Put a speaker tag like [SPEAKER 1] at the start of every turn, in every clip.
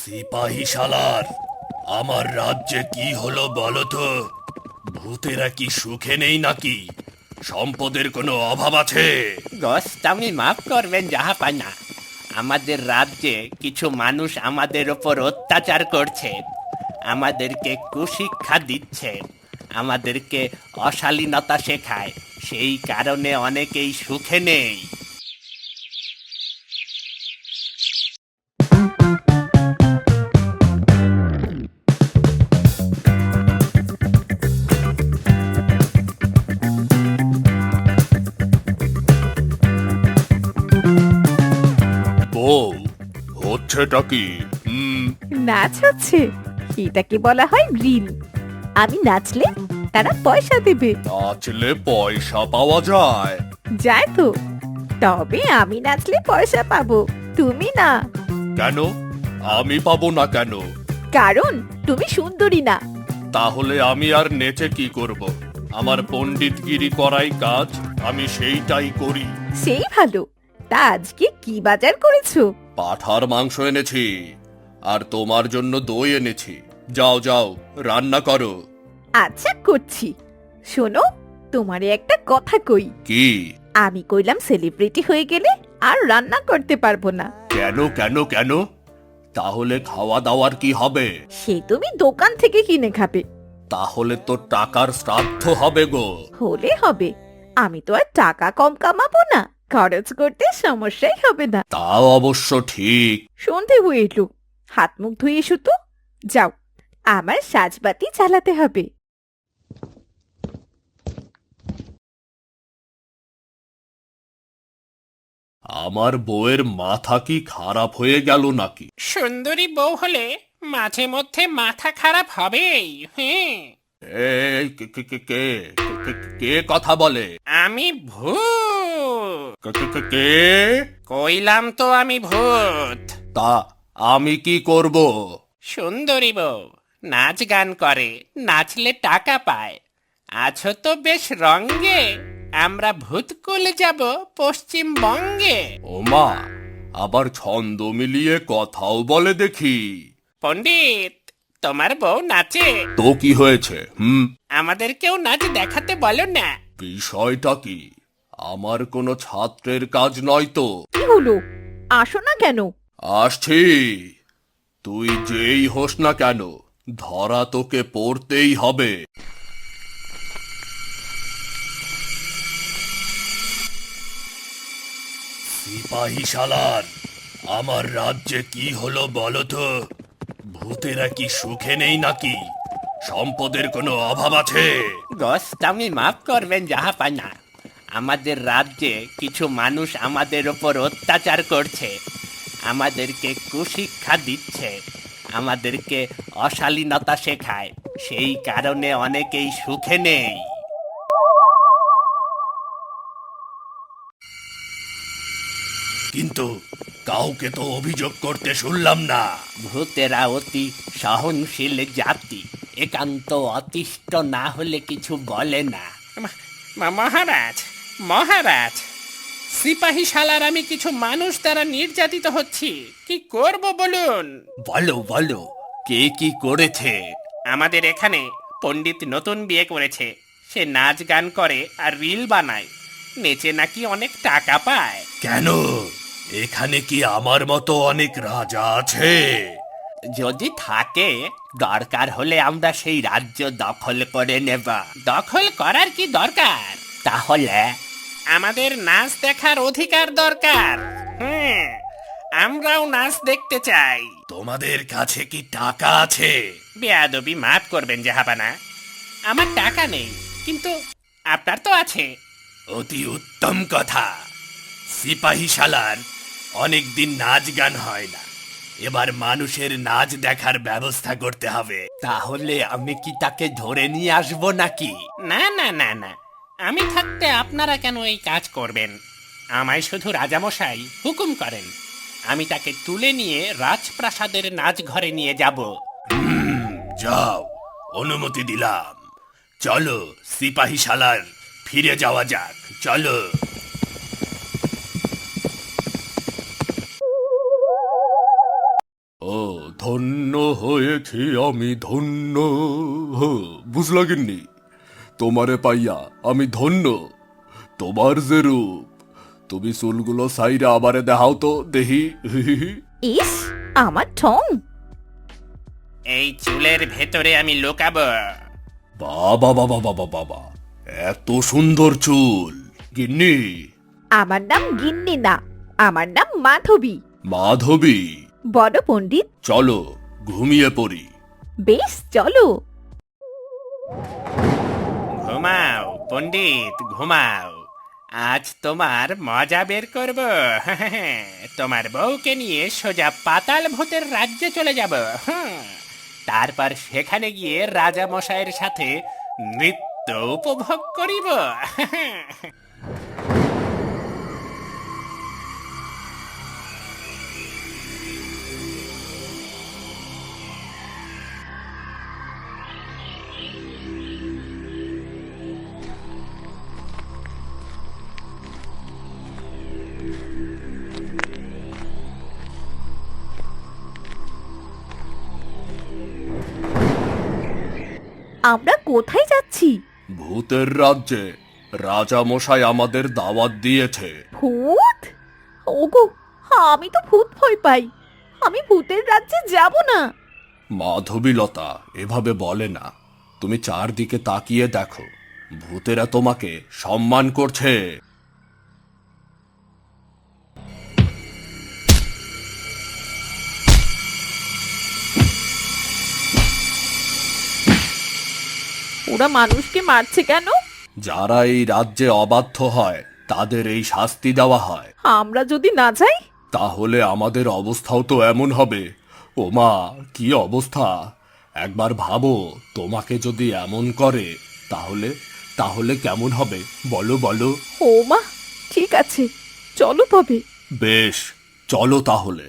[SPEAKER 1] সিপাহী শালার, আমার রাজ্যে কি হলো বলো তো? ভূতেরা কি সুখে নেই নাকি? সম্পদের কোনো অভাব আছে?
[SPEAKER 2] গোস্বামী মাফ করবেন জাহাপানা। আমাদের রাজ্যে কিছু মানুষ আমাদের ওপর অত্যাচার করছে, আমাদেরকে কুশিক্ষা দিচ্ছে, আমাদেরকে অশালীনতা শেখায়। সেই কারণে অনেকেই সুখে নেই।
[SPEAKER 1] বউ, হচ্ছেটা কি?
[SPEAKER 3] নাচ হচ্ছে, এটাকে বলা হয় রিল। আমি নাচলে তারা পয়সা দেবে।
[SPEAKER 1] নাচলে পয়সা পাওয়া যায়?
[SPEAKER 3] যায় তো, তবে আমি নাচলে পয়সা পাবো, তুমি না।
[SPEAKER 1] কেন? আমি পাবো না কেন?
[SPEAKER 3] কারণ তুমি সুন্দরী না।
[SPEAKER 1] তাহলে আমি আর নেচে কি করব? আমার পণ্ডিতগিরি করাই কাজ, আমি সেইটাই করি।
[SPEAKER 3] সেই ভালো। তা আজকে কি বাজার করেছো?
[SPEAKER 1] পাঠার মাংস এনেছি, আর তোমার জন্য দই এনেছি। যাও যাও, রান্না করো।
[SPEAKER 3] আচ্ছা করছি। শোনো, তোমারে একটা কথা কই।
[SPEAKER 1] কি?
[SPEAKER 3] আমি কইলাম সেলিব্রিটি হয়ে গেলে আর রান্না করতে পারবো না।
[SPEAKER 1] কেন কেন কেন? তাহলে খাওয়া দাওয়ার কি হবে?
[SPEAKER 3] সে তুমি দোকান থেকে কিনে খাবে।
[SPEAKER 1] তাহলে তো টাকার শ্রাদ্ধ হবে গো।
[SPEAKER 3] হলে হবে, আমি তো আর টাকা কম কামাবো না, খরচ করতে সমস্যাই হবে না।
[SPEAKER 1] তাও অবশ্য ঠিক।
[SPEAKER 3] সন্ধে হয়ে এলো, হাত মুখ ধুয়ে এসো তো। যাও, আমার সাজবাতি চালাতে হবে।
[SPEAKER 1] আমার বউয়ের মাথা কি খারাপ হয়ে গেল নাকি?
[SPEAKER 2] সুন্দরী বউ হলে মাঝে মধ্যে মাথা খারাপ হবেই। হ্যাঁ,
[SPEAKER 1] এই কে কে কে কে কে- কে- কে কথা বলে?
[SPEAKER 2] আমি ভূত।
[SPEAKER 1] কে?
[SPEAKER 2] কইলাম তো আমি ভূত।
[SPEAKER 1] তা আমি কি করব?
[SPEAKER 2] সুন্দরী বউ নাচ গান করে, নাচলে টাকা পায়। আছো তো বেশ রঙ্গে, আমরা ভূতকুলে যাব পশ্চিমবঙ্গে।
[SPEAKER 1] ওমা, আবার ছন্দ মিলিয়ে কথাও বলে দেখি।
[SPEAKER 2] পণ্ডিত, তোমার বউ নাচে,
[SPEAKER 1] তো কি হয়েছে?
[SPEAKER 2] আমাদেরকেও নাচ দেখাতে বলো না।
[SPEAKER 1] বিষয়টা কি? আমার কোনো ছাত্রের কাজ নয় তো।
[SPEAKER 3] কি হলো, আসো না কেন?
[SPEAKER 1] আসছি। তুই যেই হোস না কেন, ধরা তোকে পড়তেই হবে। সিপাহী শালার, আমার রাজ্যে কি হলো বলো তো? ভূতেরা কি সুখে নেই নাকি? সম্পদের কোনো অভাব আছে?
[SPEAKER 2] গোস্বামী মাফ করবেন জাহাপানা। আমাদের রাজ্যে কিছু মানুষ আমাদের ওপর অত্যাচার করছে, আমাদেরকে কুশিক্ষা দিচ্ছে, আমাদেরকে অশালীনতা শেখায়। সেই কারণে অনেকেই সুখে নেই।
[SPEAKER 1] কিন্তু কাউকে তো অভিযোগ করতে শুনলাম না।
[SPEAKER 2] ভূতেরা অতি সহনশীল জাতি, একান্ত অতিষ্ঠ না হলে কিছু বলে না। মহারাজ, মহারাজ, সিপাহী শালার আমি কিছু মানুষ দ্বারা নির্যাতিত হচ্ছি, কি করব বলুন?
[SPEAKER 1] বলো বলো, কে কি করেছে?
[SPEAKER 2] আমাদের এখানে পণ্ডিত নতুন বিয়ে করেছে। সে নাচ গান করে আর রিল বানায়, নেচে নাকি অনেক টাকা পায়।
[SPEAKER 1] কেন? এখানে কি আমার মতো অনেক রাজা আছে?
[SPEAKER 2] যদি থাকে, দরকার হলে আমরা সেই রাজ্য দখল করে নেব। দখল করার কি দরকার? তাহলে আমাদের নাচ দেখার অধিকার দরকার। আমরাও নাচ দেখতে চাই।
[SPEAKER 1] তোমাদের কাছে কি টাকা আছে?
[SPEAKER 2] বেয়াদবি মাফ করবেন জাহাপানা, আমার টাকা নেই, কিন্তু আপনার তো আছে।
[SPEAKER 1] অতি উত্তম কথা। সিপাহী শালার, অনেক দিন নাচ গান হয় না, এবার মানুষের নাচ দেখার ব্যবস্থা করতে হবে।
[SPEAKER 2] তাহলে আমি কি তাকে ধরে নিয়ে আসবো নাকি? না না না না, আমি থাকতে আপনারা কেন এই কাজ করবেন? আমায় শুধু রাজামশাই হুকুম করেন, আমি তাকে তুলে নিয়ে রাজপ্রাসাদের নাচ ঘরে নিয়ে যাব।
[SPEAKER 1] যাও, অনুমতি দিলাম। চলো সিপাহী শালার, ফিরে যাওয়া যাক, চলো। ও ধন্য হয়েছি আমি ধন্য। হো, বুঝলা গিন্নি? তোমারে পাইয়া আমি ধন্য। তোমার যে রূপ, তুমি চুলগুলো সাইরা আবারে দেখাও তো দেহি।
[SPEAKER 3] ইস, আমার ঠং।
[SPEAKER 2] এই চুলের ভেতরে আমি লুকাবো।
[SPEAKER 1] বাবা বাবা বাবা বাবা, এত সুন্দর চুল! গিন্নি,
[SPEAKER 3] আমার নাম গিন্নি না, আমার নাম মাধবী।
[SPEAKER 1] মাধবী,
[SPEAKER 3] বড় পণ্ডিত।
[SPEAKER 1] চলো ঘুমিয়ে পড়ি।
[SPEAKER 3] বেশ, চলো।
[SPEAKER 2] ঘুমাও পণ্ডিত, ঘুমাও। আজ তোমার মজা বের করব। তোমার বউকে নিয়ে সোজা পাতাল ভূতের রাজ্যে চলে যাব। তারপর সেখানে গিয়ে রাজা মশাইয়ের সাথে নৃত্য উপভোগ করিব।
[SPEAKER 3] আমরা কোথায় যাচ্ছি?
[SPEAKER 1] ভূতের রাজ্যে রাজা মশাই আমাদের দাওয়াত দিয়েছে।
[SPEAKER 3] ভূত? ওগো, আমি তো ভূত ভয় পাই। আমি ভূতের রাজ্যে যাব না।
[SPEAKER 1] মাধবীলতা এভাবে বলে না। তুমি চারদিকে তাকিয়ে দেখো, ভূতেরা তোমাকে সম্মান করছে।
[SPEAKER 3] ওরা মানুষকে মারছে কেন?
[SPEAKER 1] যারা এই রাজ্যে অবাধ্য হয় তাদের এই শাস্তি দেওয়া হয়।
[SPEAKER 3] আমরা যদি না যাই?
[SPEAKER 1] তাহলে আমাদের অবস্থাও তো এমন হবে। ওমা, কি অবস্থা! একবার ভাবো, তোমাকে যদি এমন করে তাহলে তাহলে কেমন হবে বলো বলো।
[SPEAKER 3] ও মা, ঠিক আছে, চলো তবে।
[SPEAKER 1] বেশ, চলো তাহলে।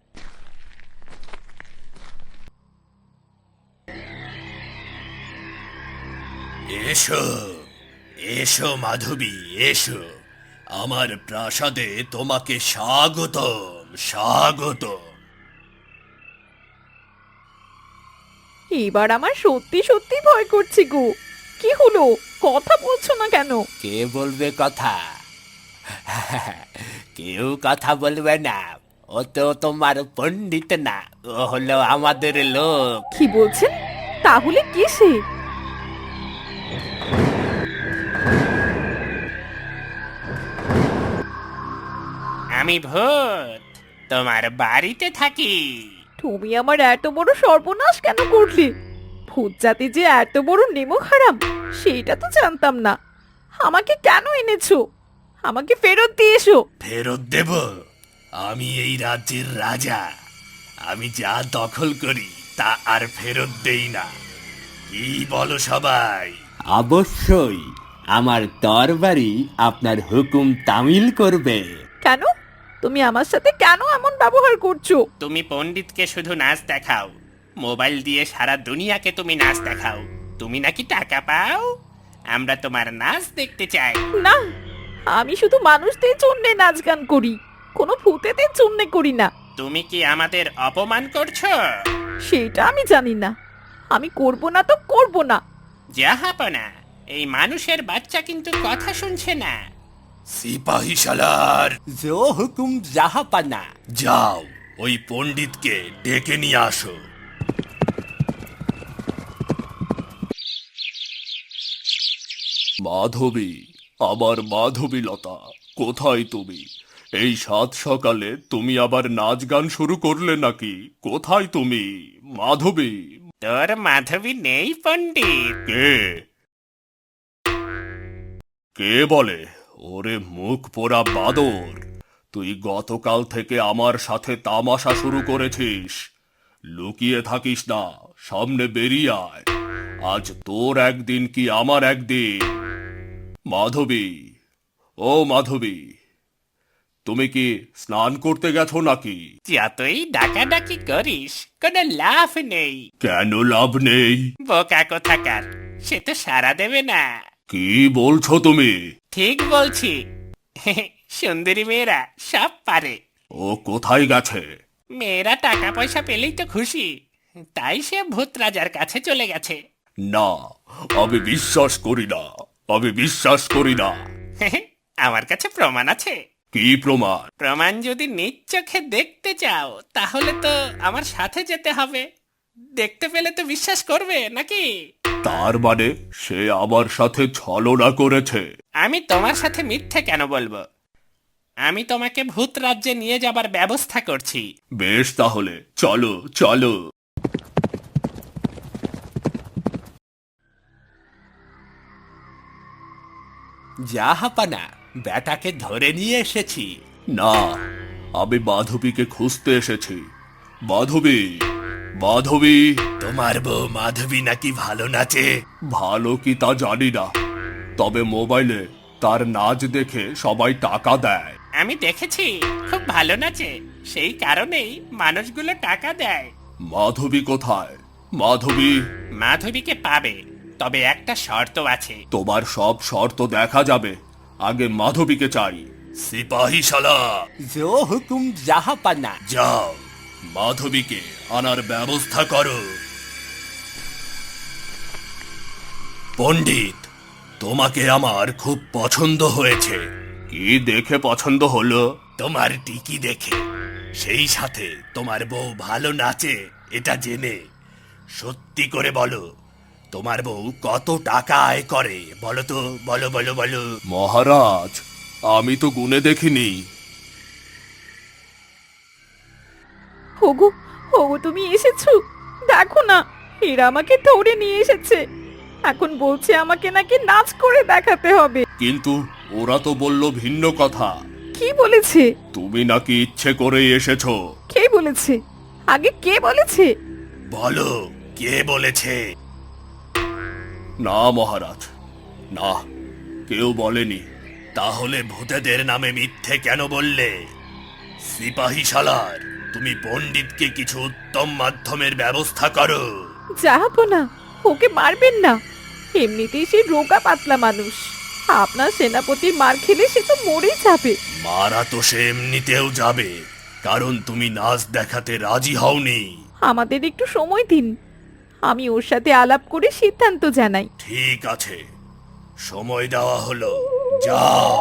[SPEAKER 1] এসো, এসো মাধবী, এসো। আমার প্রাসাদে তোমাকে স্বাগতম, স্বাগতম।
[SPEAKER 3] এবার আমার সত্যি সত্যি ভয় করছে গো। কি হলো, কথা বলছো না কেন?
[SPEAKER 2] কে বলবে কথা? কেউ কথা বলবে না। ও তো তোমার পণ্ডিত না, ও হলো আমাদের লোক।
[SPEAKER 3] কি বলছেন? তাহলে কে সে?
[SPEAKER 2] আমি ভূত, তোমার বাড়িতে থাকি।
[SPEAKER 3] তুমি আমার এত বড় সর্বনাশ কেন করলে? ভূত জাতি যে এত বড় নেমো খারাপ, সেটা তো জানতাম না। আমাকে কেন এনেছো? আমাকে ফেরত দিয়ে এসো।
[SPEAKER 1] ফেরত দেব? আমি এই রাজ্যের রাজা। আমি যা দখল করি তা আর ফেরত দেই না। কি বলো সবাই?
[SPEAKER 2] অবশ্যই, আমার তরবারি আপনার হুকুম তামিল করবে।
[SPEAKER 3] কেন? তুমি আমার সাথে কেন এমন ব্যবহার করছো?
[SPEAKER 2] তুমি পণ্ডিতকে শুধু নাচ দেখাও, মোবাইল দিয়ে সারা দুনিয়াকে তুমি নাচ দেখাও। তুমি নাকি টাকা পাও, আমরা তোমার নাচ দেখতে চাই।
[SPEAKER 3] না, আমি শুধু মানুষদের জন্য নাচ গান করি, কোনো ভূতেদের জন্য করি না।
[SPEAKER 2] তুমি কি আমাদের অপমান করছো?
[SPEAKER 3] সেটা আমি জানি না। আমি করব না তো করব না।
[SPEAKER 2] জাহাপনা, এই মানুষের বাচ্চা কিন্তু কথা শুনছে না।
[SPEAKER 1] সিপাহী শালার,
[SPEAKER 2] জো হুকুম জাহাপনা।
[SPEAKER 1] যাও ওই পণ্ডিতকে ডেকে নিয়ে আসো। মাধবী, আমার মাধবীলতা, কোথায় তুমি? এই সাত সকালে তুমি আবার নাচ গান শুরু করলে নাকি? কোথায় তুমি মাধবী?
[SPEAKER 2] তোর মাধবী নেই পণ্ডিত।
[SPEAKER 1] কে? কে বলে? ওরে মুখ পোড়া বাদর, তুই গতকাল থেকে আমার সাথে তামাশা শুরু করেছিস। লুকিয়ে থাকিস না, সামনে বেরিয়ে আয়। আজ তোর একদিন কি আমার একদিন। মাধবী, ও মাধবী, তুমি কি স্নান করতে গেছো নাকি?
[SPEAKER 2] যতই ডাকাডাকি করিস কোনো লাভ নেই।
[SPEAKER 1] কেন লাভ নেই?
[SPEAKER 2] বোকা কোথাকার, সে তো সারা দেবে না।
[SPEAKER 1] কি বলছো তুমি?
[SPEAKER 2] ঠিক বলছি। সুন্দরী মেয়েরা সব পারে।
[SPEAKER 1] ও কোথায় গেছে?
[SPEAKER 2] মেয়েরা টাকা পয়সা পেলেই তো খুশি, তাই সে ভূত রাজার কাছে চলে গেছে।
[SPEAKER 1] না, আমি বিশ্বাস করি না, আমি বিশ্বাস করি না।
[SPEAKER 2] আমার কাছে প্রমাণ আছে।
[SPEAKER 1] কি প্রমাণ?
[SPEAKER 2] প্রমাণ যদি নিজ চোখে দেখতে চাও তাহলে তো আমার সাথে যেতে হবে। দেখতে পেলে তো বিশ্বাস করবে নাকি?
[SPEAKER 1] তার মানে সে আমার সাথে ছলনা করেছে?
[SPEAKER 2] আমি তোমার সাথে মিথ্যে কেন বলবো? আমি তোমাকে ভূত রাজ্যে নিয়ে যাবার ব্যবস্থা করছি।
[SPEAKER 1] বেশ, তাহলে চলো চলো।
[SPEAKER 2] জাহাপানা, বেটাকে ধরে নিয়ে এসেছি।
[SPEAKER 1] না, আমি মাধবীকে খুঁজতে এসেছি। মাধবী, মাধবী।
[SPEAKER 2] তোমার বউ মাধবী নাকি ভালো নাচে?
[SPEAKER 1] ভালো কি তা জানি না, তবে মোবাইলে তার নাচ দেখে সবাই টাকা দেয়।
[SPEAKER 2] আমি দেখেছি, খুব ভালো নাচে, সেই কারণেই মানুষগুলো টাকা দেয়।
[SPEAKER 1] মাধবী কোথায়? মাধবী।
[SPEAKER 2] মাধবীকে পাবে, তবে একটা শর্ত আছে।
[SPEAKER 1] তোমার সব শর্ত দেখা যাবে, আগে মাধবীকে চাই। সিপাহী শালা,
[SPEAKER 2] জো হুকুম জাহাপানা।
[SPEAKER 1] যাও, মাধবীকে আনার ব্যবস্থা করো। পণ্ডিত, তোমাকে আমার খুব পছন্দ হয়েছে। কি দেখে পছন্দ হলো?
[SPEAKER 2] তোমার টিকি দেখে, সেই সাথে তোমার বউ ভালো নাচে এটা জেনে। সত্যি করে বলো, তোমার বউ কত টাকা আয় করে? বলো তো, বলো বলো বলো।
[SPEAKER 1] মহারাজ, আমি তো গুনে দেখিনি।
[SPEAKER 3] ওগো, ওগো তুমি এসেছো, দেখো না, এরা আমাকে ধরে নিয়ে এসেছে। এখন বলছে আমাকে নাকি নাচ করে দেখাতে হবে।
[SPEAKER 1] কিন্তু ওরা তো বলল ভিন্ন কথা।
[SPEAKER 3] কি বলেছে?
[SPEAKER 1] তুমি নাকি ইচ্ছে করেই এসেছো।
[SPEAKER 3] কে বলেছে? আগে কে বলেছে?
[SPEAKER 1] বলো, কে বলেছে? না মহারাজ, না, কেউ বলেনি। তাহলে ভূতেদের নামে মিথ্যে কেন বললে? সিপাহী শালার, তুমি পণ্ডিতকে কিছু উত্তম মাধ্যমের ব্যবস্থা করো।
[SPEAKER 3] যাবো না, ওকে মারবেন না, এমনিতেই সে রোগা পাতলা মানুষ। আপনার সেনাপতির মার খেলে সে তো মরেই যাবে।
[SPEAKER 1] মারা তো সে এমনিতেও যাবে, কারণ তুমি নাচ দেখাতে রাজি হওনি।
[SPEAKER 3] আমাদের একটু সময় দিন, আমি ওর সাথে আলাপ করে সিদ্ধান্ত জানাই।
[SPEAKER 1] ঠিক আছে, সময় দেওয়া হলো, যাও।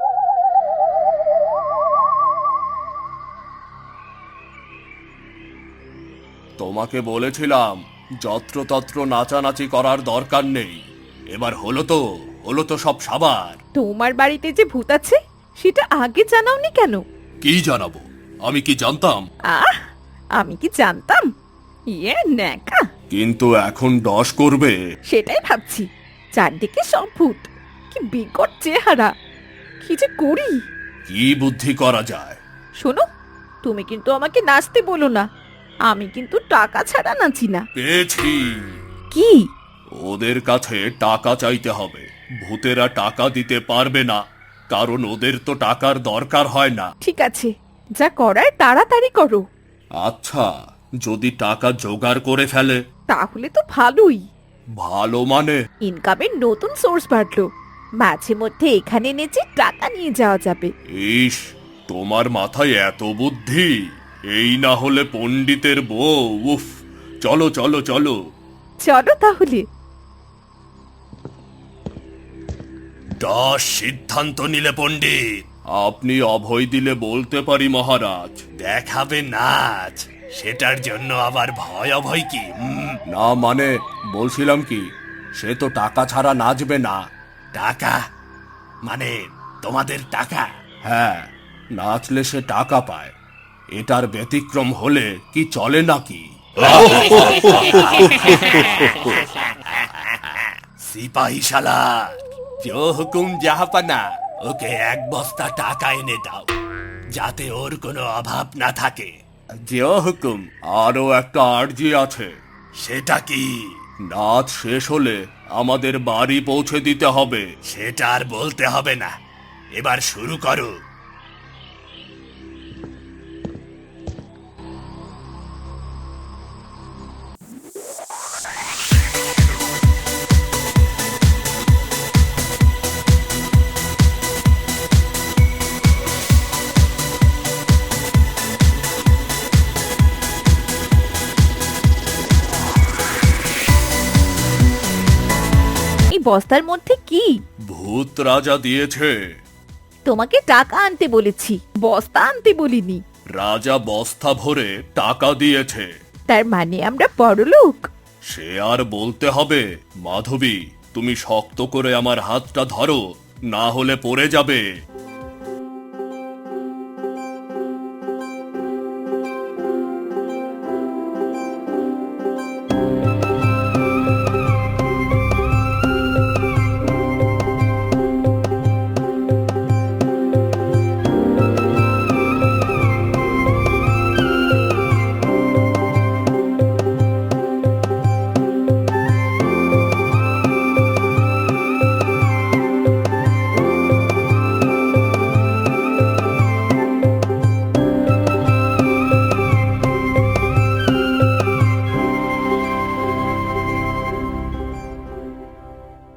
[SPEAKER 1] তোমাকে বলেছিলাম যত্রতত্র নাচানাচি করার দরকার নেই। এবার হলো তো সব সাবার।
[SPEAKER 3] তোমার বাড়িতে যে ভূত আছে সেটা আগে জানাওনি কেন?
[SPEAKER 1] কি জানাবো? আমি কি জানতাম?
[SPEAKER 3] আহ, আমি কি জানতাম? ইয়ে ন্যাকা।
[SPEAKER 1] কিন্তু এখন ডস করবে।
[SPEAKER 3] সেটাই ভাবছি, চারদিকে সব ভূত, কি বিকট চেহারা, কি যে করি।
[SPEAKER 1] কি বুদ্ধি করা যায়?
[SPEAKER 3] শোনো, তুমি কিন্তু আমাকে নাচতে বলো না, আমি কিন্তু টাকা ছাড়া নাচি না।
[SPEAKER 1] পেয়েছি।
[SPEAKER 3] কি?
[SPEAKER 1] ওদের কাছে টাকা চাইতে হবে। ভূতেরা টাকা দিতে পারবে না, কারণ ওদের তো টাকার দরকার হয় না।
[SPEAKER 3] ঠিক আছে, যা করার তাড়াতাড়ি করো।
[SPEAKER 1] আচ্ছা, যদি টাকা জোগাড় করে ফেলে?
[SPEAKER 3] তাহলে তো ভালোই,
[SPEAKER 1] ভালো মানে?
[SPEAKER 3] ইনকামের নতুন সোর্স বাড়লো, মাঝে মধ্যে এখানে নেচে টাকা নিয়ে যাওয়া যাবে।
[SPEAKER 1] ইস, তোমার মাথায় এত বুদ্ধি! এই না হলে পণ্ডিতের বউ। উফ, চলো চলো চলো।
[SPEAKER 3] চলো তাহলে।
[SPEAKER 1] দশ সিদ্ধান্ত নিলে পণ্ডিত। আপনি অভয় দিলে বলতে পারি মহারাজ। দেখাবে নাচ, সেটার জন্য আবার ভয় অভয় কি? না মানে, বলছিলাম কি, সে তো টাকা ছাড়া নাচবে না। টাকা মানে তোমাদের টাকা? হ্যাঁ, নাচলে সে টাকা পায়, এটার ব্যতিক্রম হলে কি চলে নাকি? সিপাহী শালা,
[SPEAKER 2] জো হুকুম জাহাপানা।
[SPEAKER 1] ওকে এক বস্তা টাকা এনে দাও, যাতে ওর কোনো অভাব না থাকে।
[SPEAKER 2] জো হুকুম।
[SPEAKER 1] আরো একটা আর্জি আছে। সেটা কি? নাচ শেষ হলে আমাদের বাড়ি পৌঁছে দিতে হবে। সেটা আর বলতে হবে না, এবার শুরু করো।
[SPEAKER 3] বস্তার মধ্যে কি?
[SPEAKER 1] ভূত রাজা দিয়েছে।
[SPEAKER 3] তোমাকে টাকা আনতে বলেছি, বস্তা আনতে বলিনি।
[SPEAKER 1] রাজা বস্তা ভরে টাকা দিয়েছে।
[SPEAKER 3] তার মানে আমরা বড়লোক?
[SPEAKER 1] সে আর বলতে হবে। মাধবী, তুমি শক্ত করে আমার হাতটা ধরো, না হলে পড়ে যাবে।